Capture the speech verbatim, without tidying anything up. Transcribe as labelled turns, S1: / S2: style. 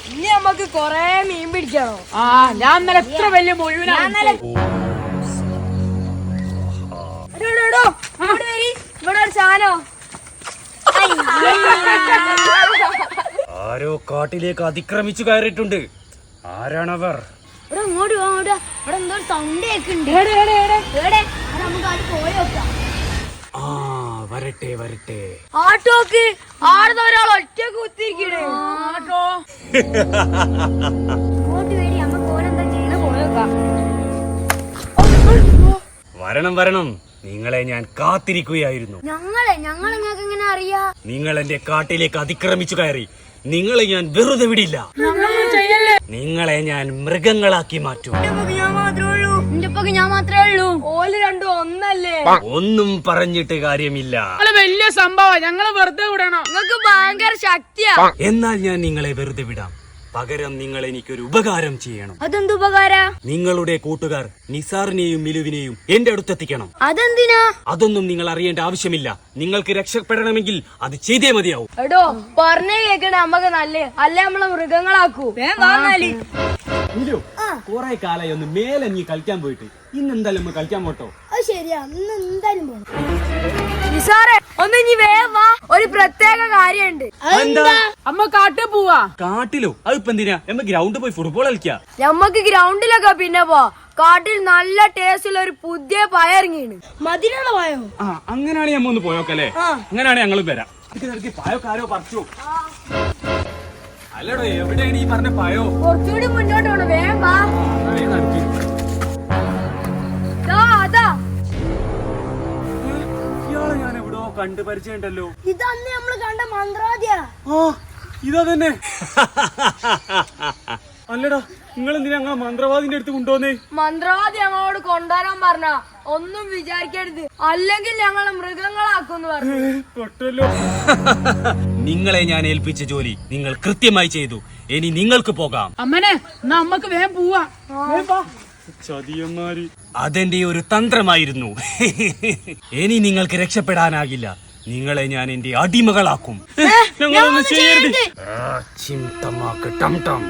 S1: ഇനി നമുക്ക് കൊറേ മീൻ പിടിക്കണോ?
S2: ആ ഞാൻ ഇന്നലെ എത്ര വലിയ മുഴുവനാണ്.
S1: ഇവിടെ ഒരു സാധനോ
S3: ആരോ കാട്ടിലേക്ക് അതിക്രമിച്ചു കയറിയിട്ടുണ്ട്. ആരാണവർ?
S1: ഇവിടെ അങ്ങോട്ട് പോവാ. ഇവിടെ എന്തോ സൗണ്ട് കേൾക്കുന്നുണ്ട്. നമുക്ക് അത് പോയി നോക്കാം.
S3: ആ വരട്ടെ വരട്ടെ.
S1: ആട്ടോക്ക് ആടുന്ന ഒരാൾ ഒറ്റ കുത്തിരിക്കണേ.
S2: ആട്ടോ
S1: ഇങ്ങോട്ട് വേടി നമുക്ക് ഓരെന്താ ചെയ്യണ പോയി നോക്കാം.
S3: വരണം വരണം, നിങ്ങളെ ഞാൻ കാത്തിരിക്കുകയായിരുന്നു.
S1: ഞങ്ങളെ ഞങ്ങൾ നിങ്ങൾക്ക് എങ്ങനെ അറിയാ?
S3: നിങ്ങൾ എന്റെ കാട്ടിലേക്ക് അതിക്രമിച്ചു കയറി. നിങ്ങളെ ഞാൻ വെറുതെ വിടില്ല. നിങ്ങളെ ഞാൻ മൃഗങ്ങളാക്കി മാറ്റും.
S1: ഞാൻ മാത്രമേ ഉള്ളൂ. എന്റെ ഒപ്പൊക്കെ ഞാൻ മാത്രമേ ഉള്ളൂ. ഓല് രണ്ടും ഒന്നല്ലേ?
S3: ഒന്നും പറഞ്ഞിട്ട് കാര്യമില്ല.
S2: വലിയ സംഭവം, ഞങ്ങള് വെറുതെ വിടണം.
S1: നിങ്ങൾക്ക് ഭയങ്കര ശക്തിയാ.
S3: എന്നാൽ ഞാൻ നിങ്ങളെ വെറുതെ വിടാം. പകരം നിങ്ങൾ എനിക്കൊരു ഉപകാരം ചെയ്യണം.
S1: അതെന്ത് ഉപകാര?
S3: നിങ്ങളുടെ കൂട്ടുകാർ നിസാറിനെയും മിലുവിനെയും എന്റെ അടുത്തെത്തിക്കണം.
S1: അതെന്തിനാ?
S3: അതൊന്നും നിങ്ങൾ അറിയേണ്ട ആവശ്യമില്ല. നിങ്ങൾക്ക് രക്ഷപ്പെടണമെങ്കിൽ അത് ചെയ്തേ മതിയാവും.
S1: എടോ പറഞ്ഞേ കേക്കണേ, നമ്മക്ക് നല്ല അല്ലേ നമ്മളെ മൃഗങ്ങളാക്കൂ. വാങ്ങാലി
S3: കുറെ കാലായി ഒന്ന് മേലെ നീ കളിക്കാൻ പോയിട്ട് ഇന്ന് എന്തായാലും ഒന്ന് കളിക്കാൻ പോട്ടോ.
S1: അത് ശരിയാ, ഇന്ന് എന്തായാലും നിസാറേ ഒന്ന് ഇനി വേഗം വാ. ഒരു പ്രത്യേക കാര്യമുണ്ട്.
S2: അമ്മ കാട്ടിൽ പോവാ.
S3: കാട്ടിലോ? അതിപ്പോ എന്തിനാ? നമ്മ ഗ്രൗണ്ടിൽ പോയി ഫുട്ബോൾ കളിക്കാ.
S1: നമ്മക്ക് ഗ്രൗണ്ടിലൊക്കെ പിന്നെ പോ. കാട്ടിൽ നല്ല ടേസ്റ്റുള്ള ഒരു പുതിയ പഴം ഇറങ്ങിയാണ്. മധുരമുള്ള പഴം.
S3: ആ അങ്ങനെയാണെങ്കിൽ നമ്മ ഒന്ന് പോയോക്കല്ലേ? അങ്ങനെയാണെങ്കിൽ ഞങ്ങളും വരാം. പഴക്കാരോ പറിച്ചു. അല്ലടോ, എവിടെയാണ് ഈ പറഞ്ഞ പഴോ?
S1: കുറച്ചുകൂടി മുന്നോട്ട് പോണം. വേഗം വാ. അതാ
S3: ഇയാളെ ഞാൻ എവിടോ കണ്ടു പരിചയമുണ്ടല്ലോ.
S1: ഇതന്ന് നമ്മള് കണ്ട മന്ത്രവാദിയാ.
S3: ആ ഇതാ തന്നെ. അല്ലടാ, നിങ്ങൾ എന്തിനാ ഞങ്ങളെ മന്ത്രവാദിന്റെ അടുത്ത് കൊണ്ടുവന്നേ?
S1: മന്ത്രവാദി ഞങ്ങളോട് കൊണ്ടുവരാൻ പറഞ്ഞ ഒന്നും വിചാരിക്കരുത്, അല്ലെങ്കിൽ ഞങ്ങളെ മൃഗങ്ങളാക്കുന്നു പറഞ്ഞു.
S3: നിങ്ങളെ ഞാൻ ഏൽപ്പിച്ച ജോലി നിങ്ങൾ കൃത്യമായി ചെയ്തു. ഇനി നിങ്ങൾക്ക് പോകാം.
S2: അമ്മനെ എന്നാ അമ്മക്ക് വേഗം പോവാ.
S3: ചതിയന്മാര്. അതെന്റെ ഒരു തന്ത്രമായിരുന്നു. ഇനി നിങ്ങൾക്ക് രക്ഷപ്പെടാനാകില്ല. നിങ്ങളെ ഞാൻ എന്റെ അടിമകളാക്കും. ഞങ്ങളൊന്നും ചെയ്യരുത്. ചിന്തമാക്ക് ടം ടം.